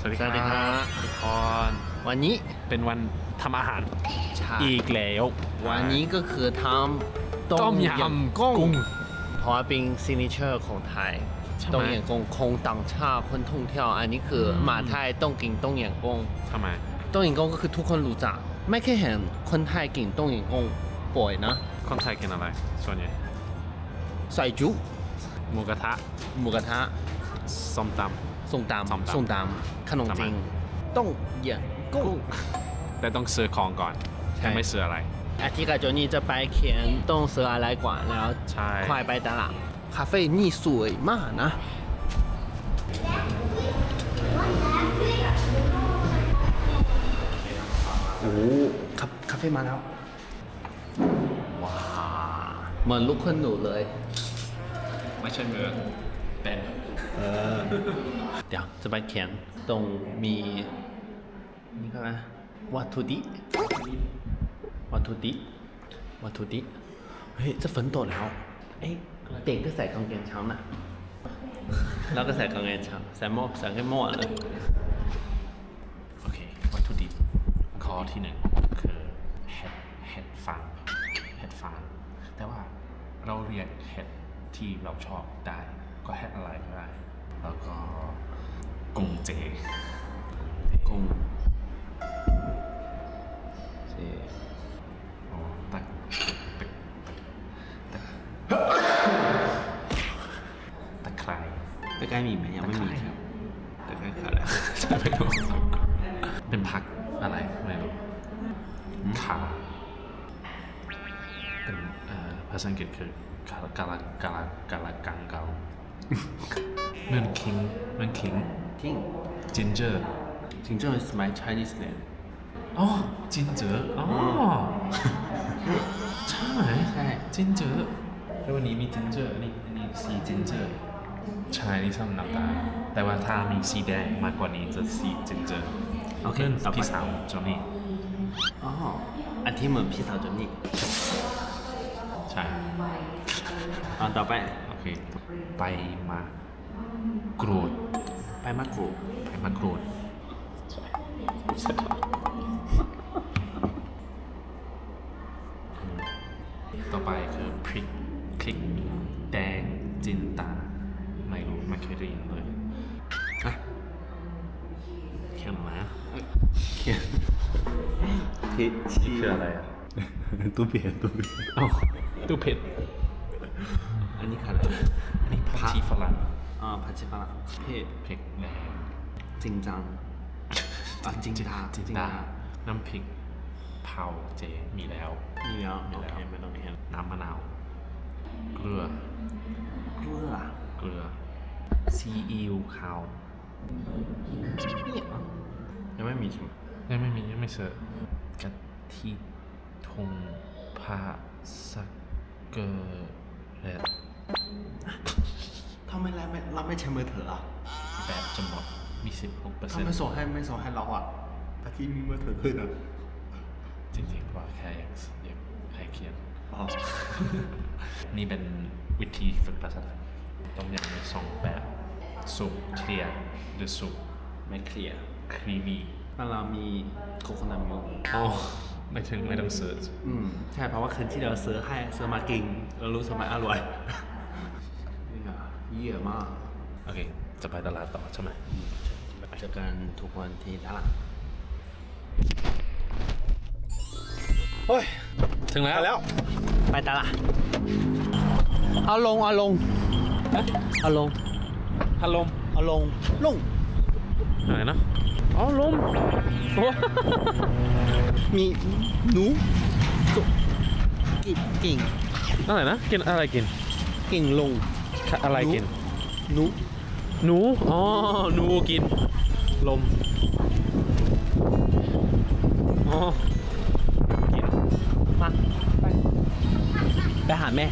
สวัสดีครับทุกคนวันนี้เป็นวันทำอาหารอีกแล้ววันนี้ก็คือทำต้มยำกุ้งเพราะว่าเป็นซิกเนเจอร์ของไทยต้มยำกุ้งคงต่างชาติคนท่องเที่ยวอันนี้คือมาไทยต้องกินต้มยำกุ้งทำไมต้มยำกุ้งก็คือทุกคนรู้จักไม่เคยเห็นคนไทยกินต้มยำกุ้งบ่อยนะคนไทยกินอะไรส่วนใหญ่ใส่จุหมูกระทะส้มตำขนมจีนต้มยำกุ้งแต่ต้องซื้อของก่อนแต่ไม่ซื้ออะไรอาทิตย์กับโจนี่จะไปเขียนต้องซื้ออะไรก่อนแล้วค่อยไปตลาดคาเฟ่นี่สวยมากนะโอ้คาเฟ่มาแล้วว้าเหมือนลูกคนหนูเลยไม่ใช่เมืองเป็นเดี๋ยวจะไปเขียนตรงมีนี่ก็นะวัตถุดิบเฮ้ยจะฝนตกแล้วเอ๊ะเด็กก็ใส่กางเกงช้ำนะแล้วก็ใส่กางเกงช้ำใส่แค่หม้อเลยโอเควัตถุดิบข้อที่หนึ่งคือเห็ดฟางแต่ว่าเราเรียกเห็ดที่เราชอบได้ก็เห็ดอะไรก็ได้แล้วก็กุ้งเจกุ้งเจตะไคร้มีไหมยังไม่มีครับตะไคร้ขาดแล้วไม่รู้เป็นผักอะไรไม่รู้ขาเป็นภาษาอังกฤษคือกาลกังเกาเมือนคิงginger is my Chinese name อ๋อginger อ๋อใช่ginger แล้ววันนี้มี ginger นี่สี ginger ใช่นี่ส้มน้ำตาลแต่ว่าถ้ามีสีแดงมากกว่านี้จะสี ginger โอเคพี่สาวจอนี่อ๋ออันที่เหมือนพี่สาวจอนี่ใช่ต่อไปโอเคไปมากรูดต่อไปคือพริกคลิกแดงจินตาไม่รู้ไม่เคยได้ยินเลยเขียนมาเขียนพิชชี่คืออะไรอ่ะตู้เผ็ดตู้เผ็ดอันนี้คืออะไรอันนี้ผักชีฝรั่งผักชีฝรั่งเผ็ดแดงจริงจังจริงตาน้ำพริกเผาเจมีแล้วโอเคไม่ต้องเห็นน้ำมะนาวเกลือซีอิ๊วขาวยังไม่มีใช่ไหมยังไม่เสิร์ฟกะทิทงผ้าสักเกอร์เรดทำไมเราไม่ใช้มือถืออ่ะแบบจะหมดมี 16% ทำไมส่งให้เราอ่ะอาทิตย์มีมือถือด้วยนะจริงๆว่าแค่อยากให้เขียนนี่เป็นวิธีฝึกภาษาไทยต้องอย่างมี2แบบสุกเคลียร์หรือสุกไม่เคลียร์ครีมีเรามีโคโคนัทมิลค์ไม่ต้องซื้อใช่เพราะว่าคืนที่เราซื้อมากินเรารู้สมัยอร่อยนี่ค่ะเยี่ยมมากโอเคจะไปตลาดต่อใช่ไหมเจอกันทุกวันที่ตลาดโอ้ยถึงแล้วไปตลาดเอาลงอะไรนะอ๋อลมมีหนูกิ่งอะไรนะกินอะไรกินกิ่งลงอะไรกินหนูอ๋อหนูกินลมอ๋อกินมาไปหาแม่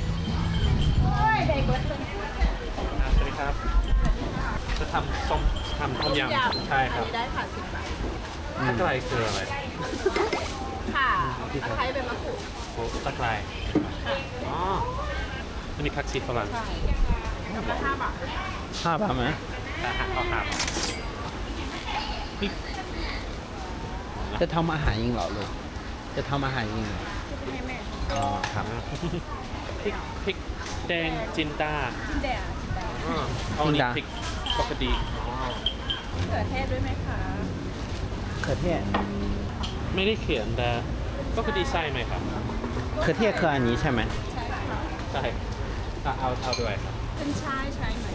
สวัสดีครับจะทำต้มยำใช่ครับได้ค่ะ10 บาทตะไคร้คืออะไรค่ะตะไคร้เป็นมะกรูดตะไคร้อ๋ออันนี้ผักชีฝรั่งใช่5 บาท 5 บาทไหม 5 บาทพริกจะทำอาหารเองเหรอลูกจะทำอาหารเองเหรอให้แม่อ๋อครับพริกแดงจินดาจินแดงจินแดงเอานี่พริกปกติอ๋อเขือเทศด้วยไหมคะเขือเทศไม่ได้เขียนแต่ปกติใส่ไหมครับเขือเทศคืออันนี้ใช่ไหมใช่ค่ะใช่เอาด้วยครับเป็นชายใช้ไหม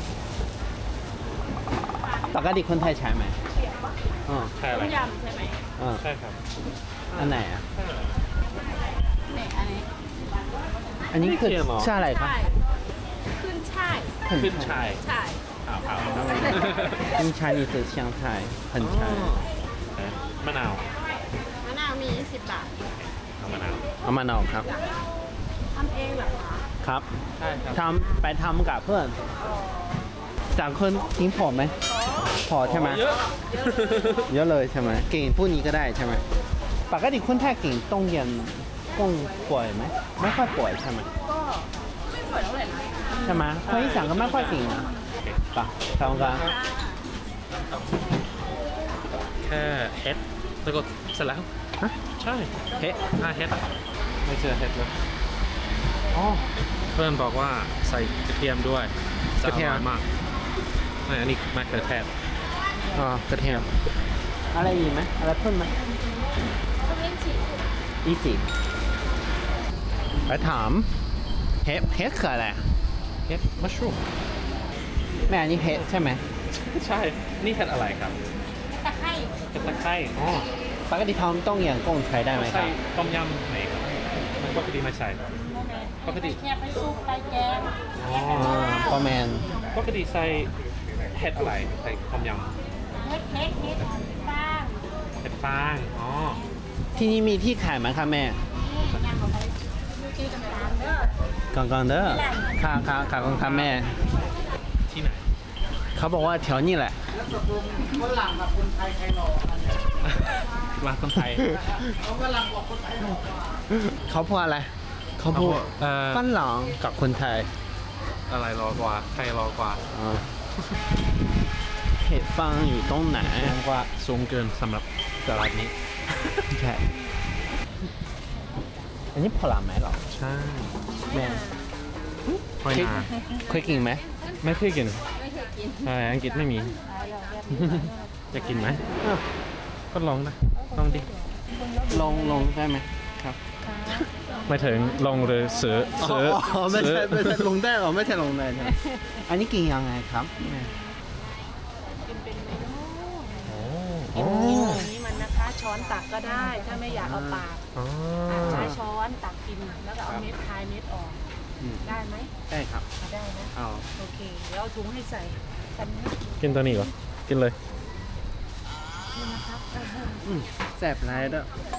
ปกติคนไทยใช้ไหมอ๋อใช่อะไรต้มยำใช่ไหมอ๋อใช่ครับอันไหนอ่ะเนี่ยอันนี้อันนี้คือใช่อะไรครับใช่ขึ้นช่ายขึ้นชายใช่เอาขึ้นชายนี่คือ香菜很ชายมะนาวมะนาวมี20 บาทเอามะนาวเอามานาวครับทำเองเหรอคะครับใช่ครับไปทำกับเพื่อนจากคนกินผอมไหมพอใช่ไหมเยอะเยอะเลยใช่ไหมเก่งพูดนี้ก็ได้ใช่ไหมปกติคนไทยเก่งต้องเรียนกุ้งป่วยไหมไม่ค่อยป่วยใช่ไหมก็ไม่ป่วยเท่าไหร่นะใช่ไหมคนอีสานก็ไม่ค่อยเก่งนะปะทำกันแค่เฮ็ดแล้วก็เสร็จแล้วฮะใช่เฮ้เฮ็ดไม่เจอเฮ็ดเลยอ๋อเพื่อนบอกว่าใส่กระเทียมด้วยจะกระอเทียมร่อยมากไม่อันนี้มะเขือเทศอ๋อกระเทียมอะไรอีกไหมอะไรเพิ่มไหมก็เล่นฉีดอีสิไปถามเฮ็ดคืออะไรเฮ็ดมัชรูมแม่อันนี้เฮ็ดใช่ไหมใช่นี่เฮ็ดอะไรครับตะไคร้เฮ็ดตะไคร้อ๋อปกติทำต้องอย่างกุ้งใช้ได้ไหมคใส่รับต้มยำไหนครับปกติไม่ใส่ปกติแค่ไปซุปไปแกงอ๋อประมาณปกติใส่เฮ็ดอะไรใส่ต้มยเฮ็ดบ้างำเฮ็ดฟางอ๋อที่นี่มีที่ขายไหมครับแม่ยำของไปดูชื่อกันตามเด้อก่อนเด้อค่ะครับแม่ที่ไหนเขาบอกว่าแถวนี้แหละร้านคนไทยเขาพูดอะไร เขาพูด ฝรั่งกับคนไทยอะไรรอกว่าใครรอกว่าอ๋อเห็ดฟางอยู่ตรงไหนกว่าสูงเกินสำหรับตลาดนี้ใช่ อันนี้ผลไม้เหรอใช่แม่หอยนาเคยกินไหมไม่เคยกินไม่เคยกินใช่อังกฤษไม่มี จะกินไหมอ้าวก็ลองนะลองดิลงได้ไหมครับไม่ถึงลองหรือซื้อไม่ใช่ลงได้เหรอไม่ใช่ลงได้ใช่ไหมอันนี้กินยังไงครับแม่กินเป็นเมนูโอ้โอ้อันนี้มันนะคะช้อนตักก็ได้ ถ้าไม่อยากเอาปากอ๋อใช้ช้อนตักกินแล้วก็เอาเม็ดคายเม็ดออก ได้ไหมได้ครับได้นะเอาโอเคเดี๋ยวเอาถุงให้ใส่กันนะกินตัวนี้เหรอ กินเลยนี่นะครับแซ่บไรเด้อ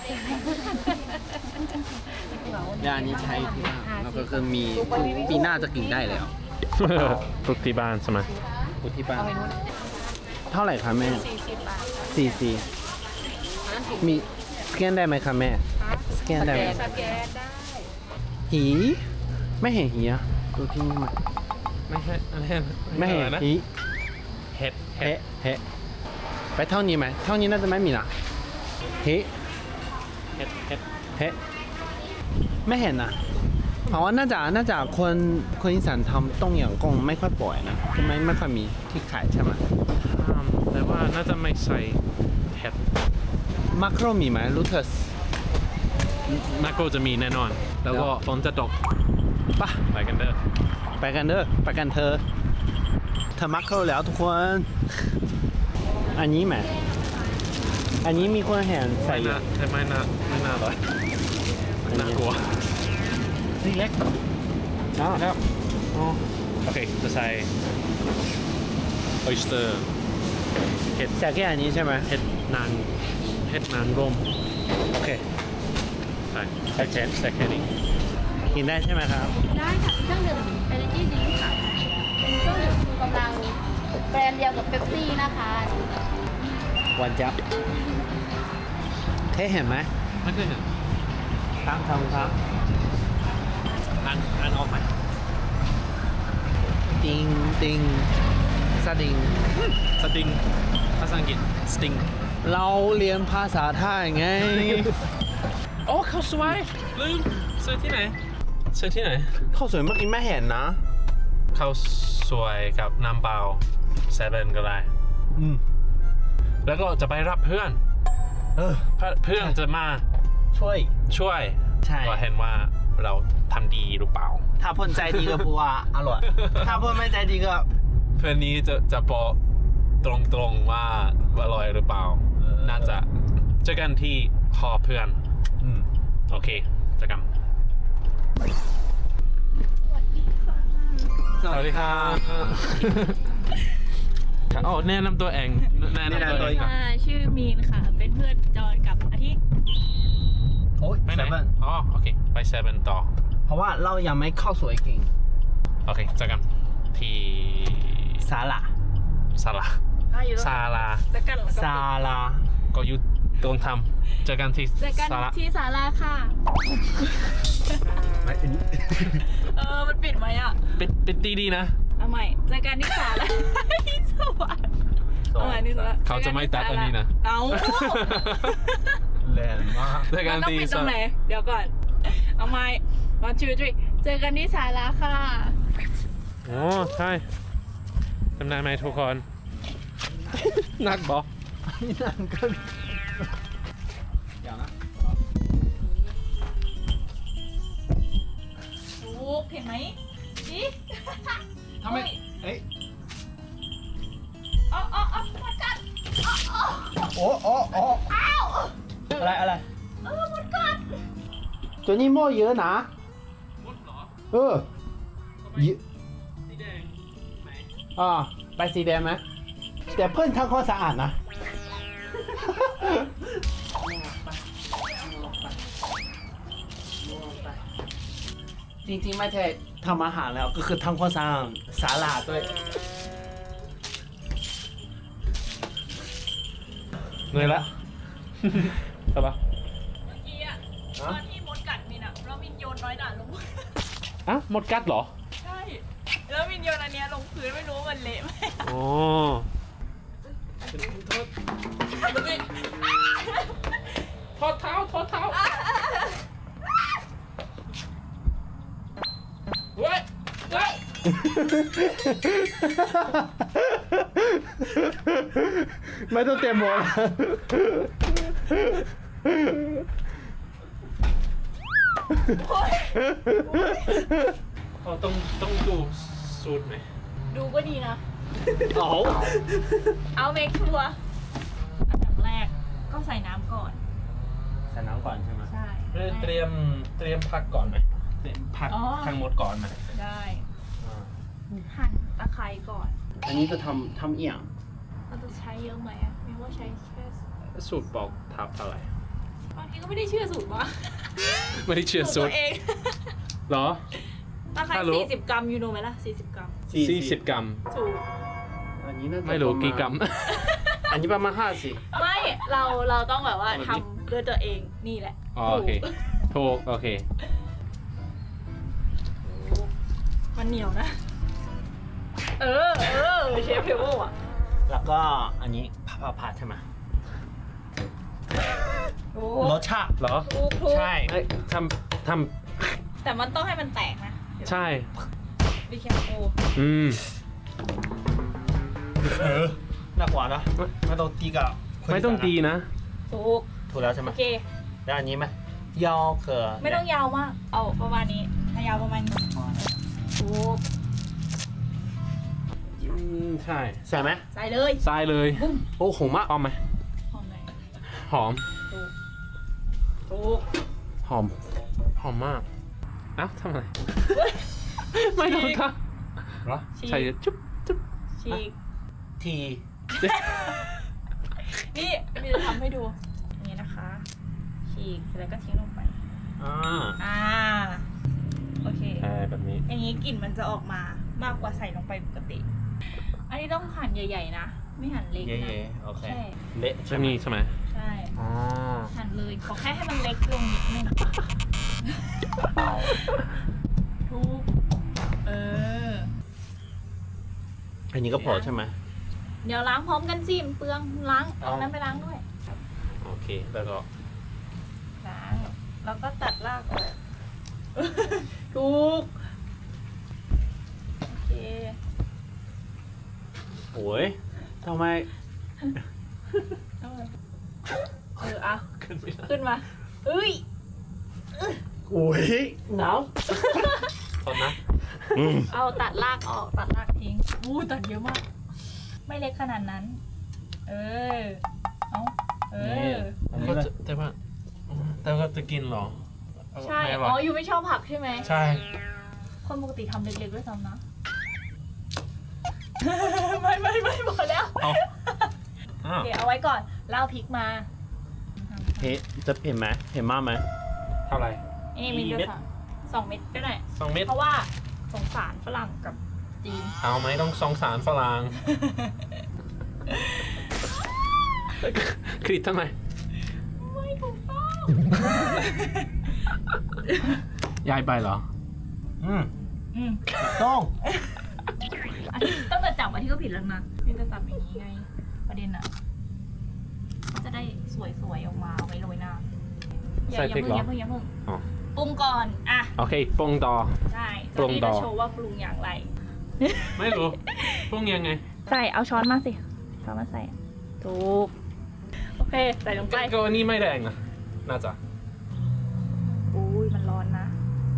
ยานี้ใช้ที่บ้านแล้วก็คือมีปีหน้าจะกินได้แล้วปลูกที่บ้านใช่ไหมกูที่บ้าน เท่าไหร่คะแม่ 40 บาท 44มีสแกนได้ไหมคะแม่ สแกนได้ไหมสแกนได้หีไม่เห็นหีอะดูที่นี่มาไม่ใช่อันนี้ไม่เห็นอะไรนะหีเห็ดเฮเฮไปเท่านี้ไหมเท่านี้น่าจะไม่มีนะหีเห็ดเฮไม่เห็นนะเพราะว่าน่าจะคนอีสานทำต้มยำกุ้งไม่ค่อยบ่อยนะคือไม่ค่อยมีที่ขายใช่ไหมแต่ว่าน่าจะไม่ใส่เห็ดมักโรมีไหมลูเทสมาโกจะมีแน่นอน แล้วก็ฝนจะตกปะไปกันเด้อไปกันเด้อไปกันเธอมักโรแล้วทุกคน อันนี้ไหมอันนี้มีคนเห็นใส่ไม่อยู่น่าแต่ไม่น่าเลยน่ากลัวนี่เล็กอ๋อแล้วอ๋อโอเคจะใส่ oyster เห็ดจากแค่อันนี้ใช่ไหมเห็ดนางรมโอเคใส่แค่นี้กินได้ใช่ไหมครับได้ค่ะเครื่องดื่ม Energy Drink ค่ะ เป็นเครื่องดื่มชูกำลังแบรนด์เดียวกับเป๊ปซี่นะคะวันจับเทเห็นไหมไม่เคยเห็นครับครับอันออกไหมติงสดิงสติงภาษาอังกฤษ sting เราเรียนภาษาไทยไงโอ้ข้าวสวยลืมซื้อที่ไหนซื้อที่ไหนข้าวสวยเมื่อกี้ไม่เห็นนะข้าวสวยกับน้ำเปล่าเซเว่นก็ได้ แล้วก็จะไปรับเพื่อน เพื่อนจะมาช่วยช่วยใช่ก็เห็นว่าเราทำดีหรือเปล่าถ้าเพ่นใจดีก็พูดว่าอร่อย ถ้าเพ่นไม่ใจดีก็เพื่อนนี้จะบอกตรงๆว่าอร่อยหรือเปล่า น่าจะเจอกันที่หอเพื่อน โอเคเจอกัน สวัสดีครับอ๋อแนะนำตัวเองแนะนำตัวเองก่อนชื่อมีนค่ะ เป็นเพื่อนจอนกับอาทิตย์โอ้ยไปไหน 7 อ๋อโอเคไปเซเว่นต่อเพราะว่าเรายังไม่เข้าสวยเก่งโอเคเจอกันที่ซาลาศาลาศาลาจะกันแล้วก็ซาลาก็อยุตรงทำเจอกันที่เจอกันศาลาที่ศาลาค่ะไม่อันนี้มันปิดไหมอ่ะปิดดีๆนะเอาใหม่เจอกันที่ศาลาที่สวรรค์เอาใหม่ที่ศาลาเขาจะไม่ตัดอันนี้นะเอาแรงมากเจอกัมัน นต้องที่ปิดตรงไหน เดี๋ยวก่อน เอาใหม่ 1 2 3เจอกันที่ศาลาค่ะโอ้ใช่จำได้ไหมทุกคน นักบอกนี่นั่นก็อย่างนะถูกเห็นไหมดิทำไมเอ้ยอ๋อมันกัดโอ้อ้าวอะไรมันกัดตัวนี้หม้อเยอะนะมดเหรอเยอะสีแดงไหนไปสีแดงไหมแต่เพื่อนทำความสะอาดนะ จริงๆไม่ใช่ทำอาหารแล้วก็คือทำความสะอาดศาลาด้วยเหนื่อยละ ใช่ปะเมื่อกี้อะตอนที่มดกัดมินอะแล้วมินโยนน้อยหนาลงอ่ะมดกัดเหรอใช่ แล้วมินโยนอันเนี้ยลงพื้นไม่รู้ว่ามันเละไหมอ๋อ ทอดเท้าเว้ยไม่ต้องเตรียมหมดต้องดูสูตรไหมดูก็ดีนะเอาเอาเมคชัวร์อันดับแรกก็ใส่น้ำก่อนใส่น้ำก่อนใช่ไหมใช่เตรียมผักก่อนไหมเตรียมผักอ๋อทั้งหมดก่อนไหมได้หั่นตะไคร้ก่อนอันนี้จะทำเอี่ยงเราจะใช้เยอะไหมอะไม่ว่าใช้แค่สูตรบอกทับเท่าไหร่บางทีก็ไม่ได้เชื่อสูตรวะไม่ได้เชื่อสูตัตวรเองเหรอตะไคร้ถ้ารู้ 40 กรัมยูโนไหมล่ะ40 กรัม 40 กรัมถูกอันนี้น่าจะไม่รู้กี่กรัมอันนี้ประมาณ50 ไม่เราต้องแบบว่าทำด้วยตัวเองนี่แหละอ๋อโอเคถูกโอเคมันเหนียวนะ เออเชฟเทเบิลอ่ะแล้วก็อันนี้ผัดใช่ไหมโอ้รสชาติเหรอถูกใช่เอ้ยทแต่มันต้องให้มันแตกนะำใช่บีเคโอหนักกว่านะไม่ต้องตีกับไม่ต้องตีนะถูกแล้วใช่ไหมโอเคแล้วอันนี้ไหมยอเขือไม่ต้องยาวมาก เอาประมาณนี้ถ้ายาวประมาณนี้พอถูกใช่ใส่ไหมใส่เลยทรายเลยโอ้โหมากหอมไหมหอมไหนหอมถูกหอมมากเอ้าทำอะไร ไม่ต้องทเหรอำใส่จุ๊บฉีกทีนี่มีจะทำให้ดูอย่างนี้นะคะ ฉีกเสร็จแล้วก็ทิ้งลงไปอ่าโอเคแบบนี้อย่างนี้กลิ่นมันจะออกมามากกว่าใส่ลงไปปกติ อันนี้ต้องหั่นใหญ่ๆนะ ไม่หั่นเล็กเย่นะๆโอเคใช่เละจะมีใช่ไหมใช่อ๋อหั่นเลย ขอแค่ให้มันเล็กลงนิดนึงทุกอันนี้ก็พอใช่ไหมเดี๋ยวล้างพร้อมกันสิมันเปลืองล้างเอานั้นไปล้างด้วยเค แล้วก็ล้างแล้วก็ตัดรากออกถูกโอเคโอ้ยทำไมเอาเลยเอาขึ้นไม่ได้ขึ้นมาเอ้ยโอ้ยหนาวตอนนะเอาตัดรากออกตัดรากทิ้งอู้ตัดเยอะมาก ไม่เล็กขนาดนั้น เออเอาเออก็จะแต่ว่าจะกินเหรอใช่ไม่ออ๋ร่ออยอยู่ไม่ชอบผักใช่ไหมใช่คนปกติทำเล็กๆด้วยซ้ำนะ ไม่หมดแล้วเอาโอเคเอาไว้ก่อนเล่าพริกมาเผ็ดจะเผ็ดไหมเผ็ดมากไหมเท่าไหร่นี่มีกี่เดือเม็ดสองเม็ดก็ได้ 2 เม็ดเพราะว่าสงสารฝรั่งกับจีนเอาไหมต้องสงสารฝรั่งคลิปทำไมไม่ถูกต้องย้ายไปเหรออืมต้องอันนี้ตั้งแต่จับอันที่ก็ผิดแล้วนะนี่จะจับอย่างนี้ไง ประเด็นอ่ะมันจะได้สวยๆออกมาเอาไว้โรยหน้าใส่พริกเหรออย่าเพิ่งอ๋อปรุงก่อนอ่ะโอเคปรุงต่อใช่ปรุงต่อจะโชว์ว่าปรุงอย่างไรไม่รู้ปรุงยังไงใส่เอาช้อนมาสิช้อนมาใส่ถูกโอเคใส่ลงไปก็อันนี้ไม่แดงนะน่าจะอุ้ยมันร้อนนะ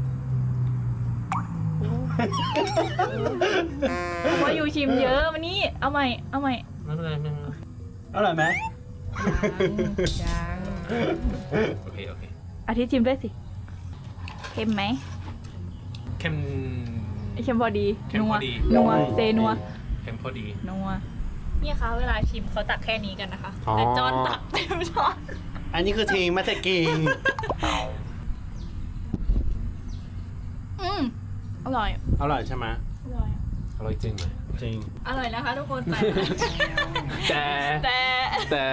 เพราะอยู่ชิมเยอะมานี่เอาใหม่เอาใหม่ไม่เป็นไรไม่เป็นไรอร่อยไหมยังโอเคโอเคอาทิตย์ชิมด้วยสิเค็มไหมเค็มเค็มพอดีเค็มพอดีนัวเซนัวเค็มพอดีนัวเนี่ยคะเวลาชิมเขาตักแค่นี้กันนะคะอ๋อแต่จอนตักเต็มช้อนอันนี้คือทิ้งไม่ใช่กินอร่อยอร่อยใช่ไหมอร่อยอร่อยจริงไหมจริงอร่อยนะคะทุกคนแต่แต่แต่แต่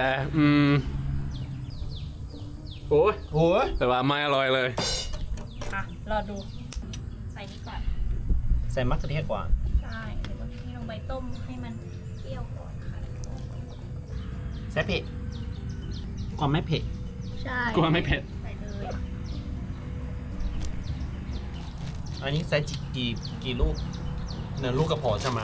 โอ้ยโอ้ยแต่ว่าไม่อร่อยเลยอ่ะรอดูใส่นี่ก่อนใส่มะเขือเทศก่อนใช่เดี๋ยวเราให้ลงไปต้มให้มันเปรี้ยวก่อนค่ะใส่เผ็ดก่อนไม่เผ็ดใช่กลัวไม่เผ็ดใส่เลยอันนี้ใส่กี่ลูกหนึ่งลูกกระพอใช่ไหม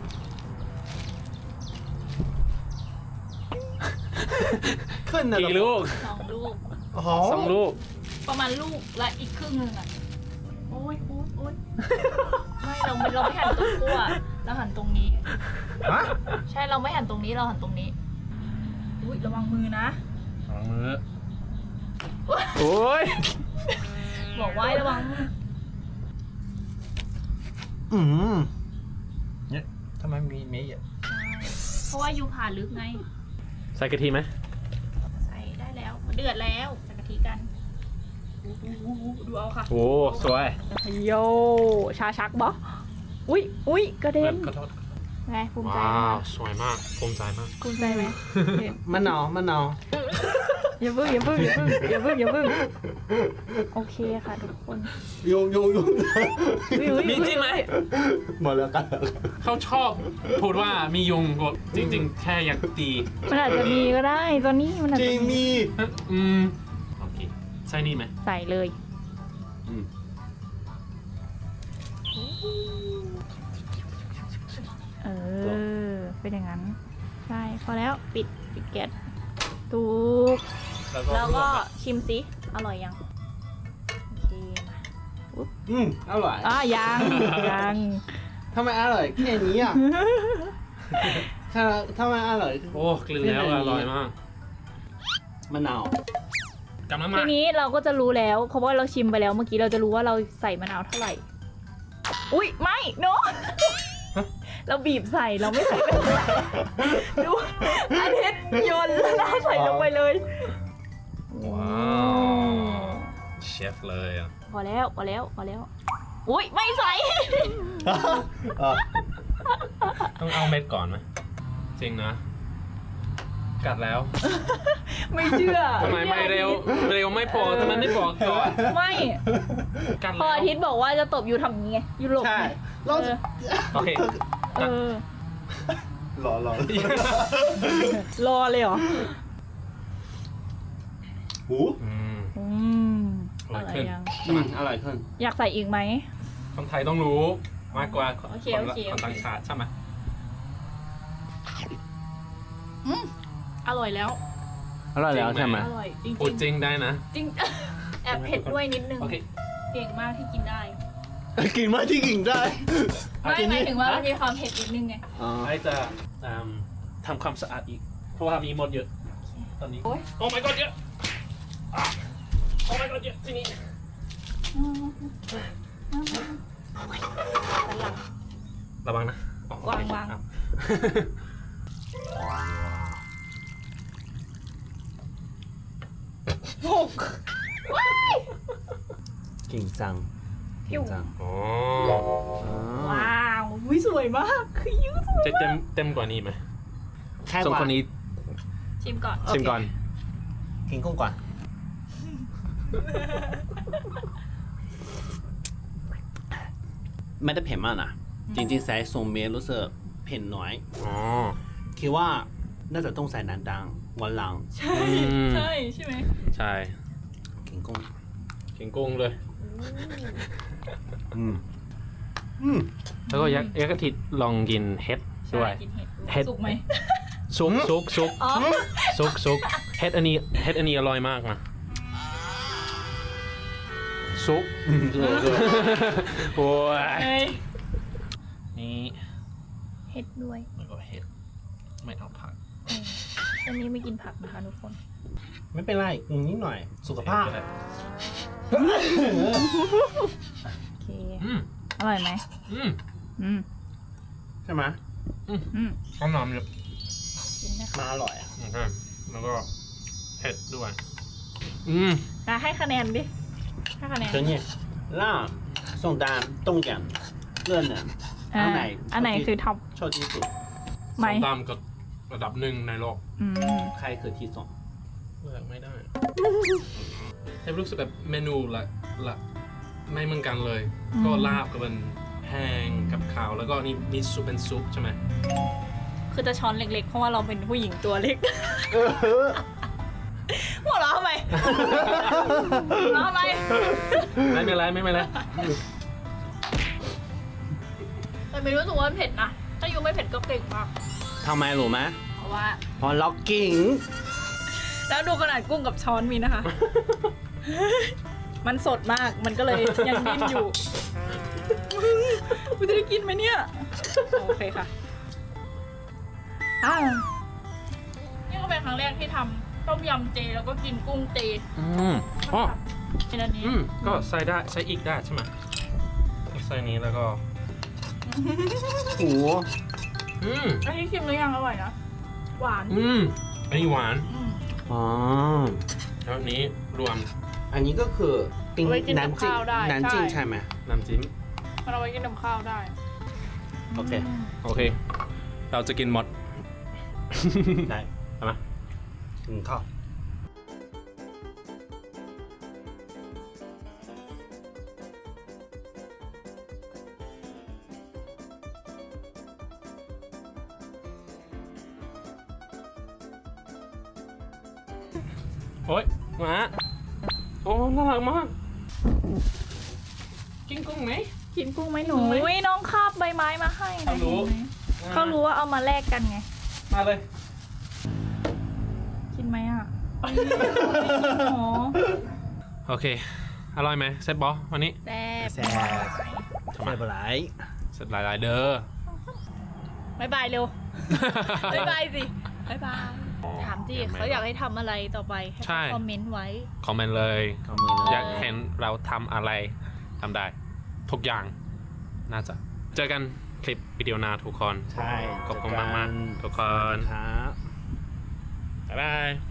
ขึ้นนะกี่ลูก 2 ลูกอ๋อ 2 ลูกประมาณลูกและอีกครึ่งหนึงอ่ะโอ๊ยไม่เราไม่หั่นตรงขั้วเราหั่นตรงนี้ฮะใช่เราไม่หั่นตรงนี้เราหั่นตรงนี้อุ้ยระวังมือนะสองมือโอ้ยบอกไว้ระวังเนี่ยทำไมมีเมย์อ่ะเพราะว่ายูผ่าลึกไงใส่กะทิไหมใส่ได้แล้วเดือดแล้วใส่กะทิกันดูเอาค่ะโอ้สวยโยชาชักบออุ้ยกระเด็นขอโทษไงภูมิใจว้าไหมวสวยมากภูมิใจมากภูมิใจไหมมะนาวอย่าเพิ่งโอเคค่ะทุกคนยุงมีจริงไหมหมดแล้วกันเขาชอบพูดว่ามียุงก็จริงๆ แค่อยากตีมันอาจจะมีก็ได้ตอนนี้มันอาจจริจะงมีโอเคใช่นี่ไหมใส่เลยอืมเป็นอย่างนั้นใช่พอแล้วปิดแก๊สถูกแล้วก็ชิมสิอร่อยยังโอเคมาอร่อยยังทำไมอร่อยแค่นี้อ่ะทำไมอร่อยโอ้กลืนแล้วอร่อยมากมะนาวกำลังทีมานี้เราก็จะรู้แล้วเพราะว่าเราชิมไปแล้วเมื่อกี้เราจะรู้ว่าเราใส่มะนาวเท่าไหร่อุ้ยไม่เนาะเราบีบใส่เราไม่ใส่ไปเลยดูอาทิตย์โยนแล้วใส่ลงไปเลยว้าวเชฟเลยอ่ะพอแล้วอุ้ยไม่ใส่ต้องเอาเม็ดก่อนไหมจริงนะ กัดแล้วไม่เชื่อทำไมไม่เร็วไม่พอทำไมไม่บอกก่อนไม่กัดพอแล้วอาทิตย์บอกว่าจะตบอยู่ทำอย่างงี้ไงอยู่หลบใช่ไงเราโอเคเออรอรอเลยเหรอหูอืมอร่อยยังอร่อยขึ้นอยากใส่อีกไหมคนไทยต้องรู้มากกว่าโอเคคนต่างชาติใช่ไหมอร่อยแล้วอร่อยแล้วใช่ไหมอร่อยจริงพูดจริงได้นะจริง แอบเผ็ดด้วยนิดนึงโอเคเก่งมากที่กินได้กินมาที่กินได้ไม่หมายถึงว่ามันมีความเผ็ดนิดนึงไงไอจะทำความสะอาดอีก เพราะว่ามีมดเยอะ ตอนนี้ โอ้ my god เยอะอ่ะโอ้ my god เยอะที่นี่ระวังนะอ๋อโอเควางอ่ะหกว้ายกินจังผิวจังอ๋อว้าวอุ๊ยสวยมากคือยิ้วสวยจะเต็มกว่านี้ไหมแค่สองว่าคนนี้ชิมก่อนชิมก่อนกินกุ้งก่อนไม่ได้เผ็ดมากนะจริงๆใส่ส่งเมรู้สึกเผ็ดน้อยอ๋อคิดว่าน่าจะต้องใส่น้ำดังวันหลังใช่ใช่ไหมใช่กินกุ้งกินกุ้งเลยอืมแล้วก็ยักษ์อาทิตย์ลองกินเห็ดใช่ด้วยกินเห็ดเห็ดสุกไหมซุกอ๋อซุกเห็ดอันนี้อร่อยมากนะซุกโอ้ยเอ้ยนี่เห็ดด้วยแล้วก็เห็ดไม่เอาผักอันนี้ไม่กินผักนะคะทุกคนไม่เป็นไรนิดหน่อย สุขภาพก็ได้โอเคอืมอร่อยไหมอืมอืมใช่ไหมอืมข้าวหนามเยอะกินนะคะมาอร่อยอ่ะโอเคแล้วก็เผ็ดด้วยอืมให้คะแนนดิให้คะแนนเธอเนี่ยล่าส่งดามต้มยำเลื่อนเนี่ยอ่าอันไหนอันไหนคือท็อปชอบที่สุดไหมส้มตำกับระดับหนึ่งในโลกอืมใครคือที่สองเลือกไม่ได้แต่รู้สึกแบบเมนูละไม่เหมือนกันเลย ก็ลาบกับเป็นแห้งกับข้าวแล้วก็นี่มีซุปเป็นซุปใช่ไหมคือจะช้อนเล็กๆ เพราะว่าเราเป็นผู้หญิงตัวเล็กหัวเราะทำไมหัวเราะทำไมไม่เป็นไรแต่ไม่รู้สึกว่ามันเผ็ดนะ ถ้ายูไม่เผ็ดก็เก่งมากทำไมรู้ไหมเพราะว่าเพอเรากินแล้วดูขนาดกุ้งกับช้อนมีนะคะ มันสดมาก มันก็เลยยังดิ้นอยู่กูจะได้กินไหมเนี่ย โอเคค่ะนี่ก็เป็นครั้งแรกที่ทำต้มยำเจแล้วก็กินกุ้งเจอ๋อเป็นอันนี้ก็ใส่ได้ใส่อีกได้ใช่ไหมใส่นี้แล้วก็โอ้อันนี้ชิมหรือยังอร่อยนะ หวานอันนี้หวานอ๋อแล้วอันนี้รวมอันนี้ก็คือปิ้งเอาไว้กินกับน้ำจิ้มข้าวได้น้ำจิ้มใช่ใช่ไหมน้ำจิ้มมันเอาไว้กินกับข้าวได้โอเคโอเค เราจะกินหมดได้ใช่ไหมกินข้าวโอ๊ยหมาโอ้น่ารักมาก กินกุ้งไหมกินกุ้งไหมหนูกุ้งไหมอุ้ยน้องคาบใบไม้มาให้นะเขารู้เห็นไหมเขารู้ว่าเอามาแลกกันไงมาเลยกินไหมอ่ะอ๋อโอเค อร่อยไหมเซ็ตบอวันนี้แซ่บแซ่บแซ่บหลายเสร็จหลายๆเด้อบ๊ายบายเร็ว บ๊ายบายสิ บ๊ายบาย ถามสิเขาอยากให้ทำอะไรต่อไป ให้ใช่คอมเมนต์ไว้คอมเมนต์เลยขมือเลอย ยากเห็นเราทำอะไรทำได้ ทุกอย่าง น่าจะ เจอกันคลิปวิดีโอหน้าทุกคนใช่ขอบคุณมากๆทุกคนครับบ๊ายบาย